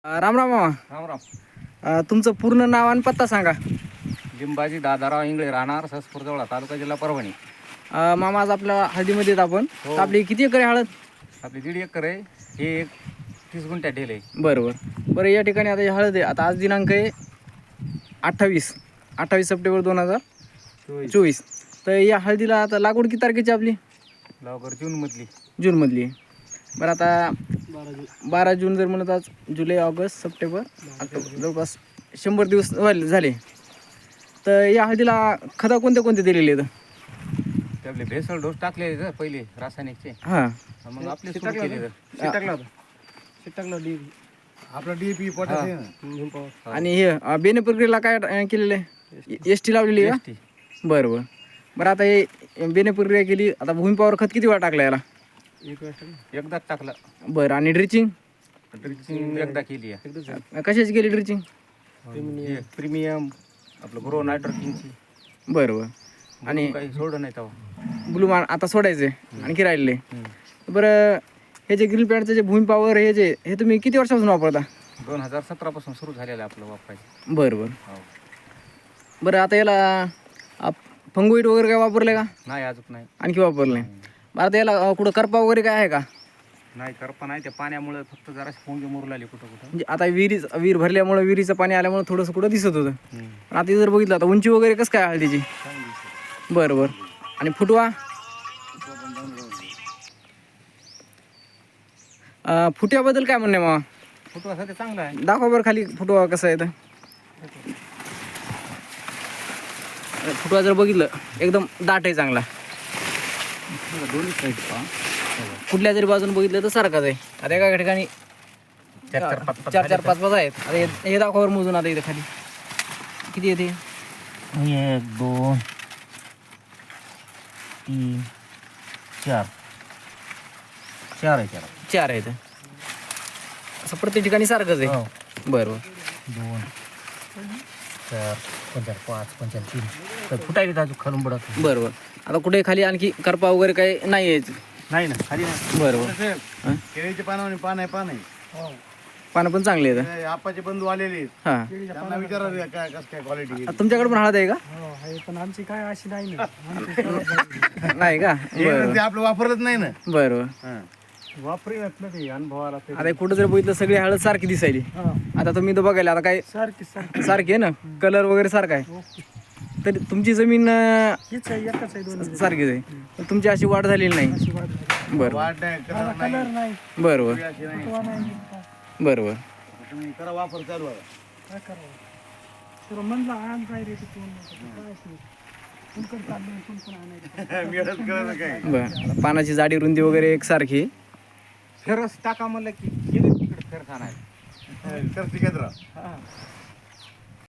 राम राम मामा. राम राम. तुमचं पूर्ण नाव आणि पत्ता सांगा. लिंबाजी दादाराव इंगळे, राहणार ससपूर जवळ, तालुका जिल्हा परभणी. मामा आज आपल्या हळदीमध्ये येत आपण. हो. आपली किती एकर आहे हळद? आपली 1.5 एकर आहे. हे एक 30 गुंठ्यात ढेल आहे. बरं या ठिकाणी आता ही हळद आहे. आता आज दिनांक आहे 28 सप्टेंबर 2024. तर या हळदीला आता लागवड किती तारखेची आपली? लवकर जूनमधली. जूनमधली. बरं आता 12 जून जर म्हणत आज जुलै ऑगस्ट सप्टेंबर ऑक्टोबर जवळपास 100 दिवस झाले. तर या हळदीला खतं कोणते दिलेले आहेत? ते आपले भेसळ डोस टाकले पहिले रासायनिकचे. हां मग आपले सुरू केले. आपला डीपी पोटॅश आणि हे बेने प्रक्रियेला काय केलेलं आहे? एस टी लावलेली आहे का? बरं आता हे बेने प्रक्रिया केली. आता भूमी पॉवर खत किती वेळा टाकला याला? एकदाच टाकलं. बरं आणि ड्रिचिंग एकदा केली आहे. कशाची केली ड्रिचिंग? प्रीमियम आपलं ग्रो नायट्रोकिंगची. बरं आणि काही सोडलं नाही तेव्हा. ब्लू मान आता सोडायचं आहे आणखी राहिलेले. बरं हे जे ग्रिल पॅडचं जे भूमी पॉवर हे तुम्ही किती वर्षापासून वापरता? 2017 पासून सुरू झालेलं आहे आपलं वापरायचं. बरं आता याला फंगोईट वगैरे काय वापरले का? नाही, अजून नाही. आणखी वापरले. बरं आता याला कुठं करपा वगैरे काय आहे का? नाही, करपा नाही. त्या पाण्यामुळे फक्त जराशी पोंगे मुरू लागली कुठं. म्हणजे आता विहीर भरल्यामुळे विहिरीचं पाणी आल्यामुळे थोडंसं कुठं दिसत होतं. पण आता जर बघितलं आता उंची वगैरे कसं काय हळदीची? बरं आणि फुटवा? फुट्याबद्दल काय म्हणणे मामा? फुटवा सध्या चांगला आहे. दाखवा बरं खाली फुटवा कसा आहे तर. फुटवा जर बघितलं एकदम दाट आहे, चांगला. दोन्ही साईड कुठल्या जरी बाजून बघितलं तर सारखाच आहे. आता एका ठिकाणी 4-4, 5-5 आहेत. आता हे दाखवावर मोजून आता इथे खाली किती येते? 1 2 3 4 4 आहेत. असं प्रत्येक ठिकाणी सारखंच आहे. बरं 2 4 5 5 3 फुटायला खालून बुडत. बरोबर. आता कुठे खाली आणखी करपा वगैरे काही नाही आहे? नाही ना, खाली नाही. बरोबर. केळीचे पान आहे. पानं पण चांगली आहेत. आपाचे बंधू आलेले आहेत. हां त्यांना विचारा काय कसं काय क्वालिटी. तुमच्याकडे पण हळद आहे का? पण आमची काय अशी नाही ना. नाही का? ते आपलं वापरत नाही ना. बरोबर. वापरी घातलं ते अनुभवाला ते. आता कुठं जर बघितलं सगळी हळद सारखी दिसायली. आता तुम्ही तर बघायला आता काय सारखी सारखी आहे ना, कलर वगैरे सारखा आहे. तरी तुमची जमीन हीच आहे, एकच आहे, दोन्ही सारखीच आहे. पण तुमची अशी वाढ झालेली नाही. अशी वाढ झाली. बरोबर वाट नाही, कलर नाही. कलर नाही, बरोबर फुटवा नाही, बरोबर. तुम्ही करा वापर चालू आहे. काय करावं? तर म्हणलं आण काय रे तू, काय असेल कुणकड चाललं, कुणकड आणायचं. मिळत कळलं काय. बरं पानाची जाडी रुंदी वगैरे एकसारखी. फेरस टाका म्हणलं की गेले तिकडे फेर खाणार. करते केंद्र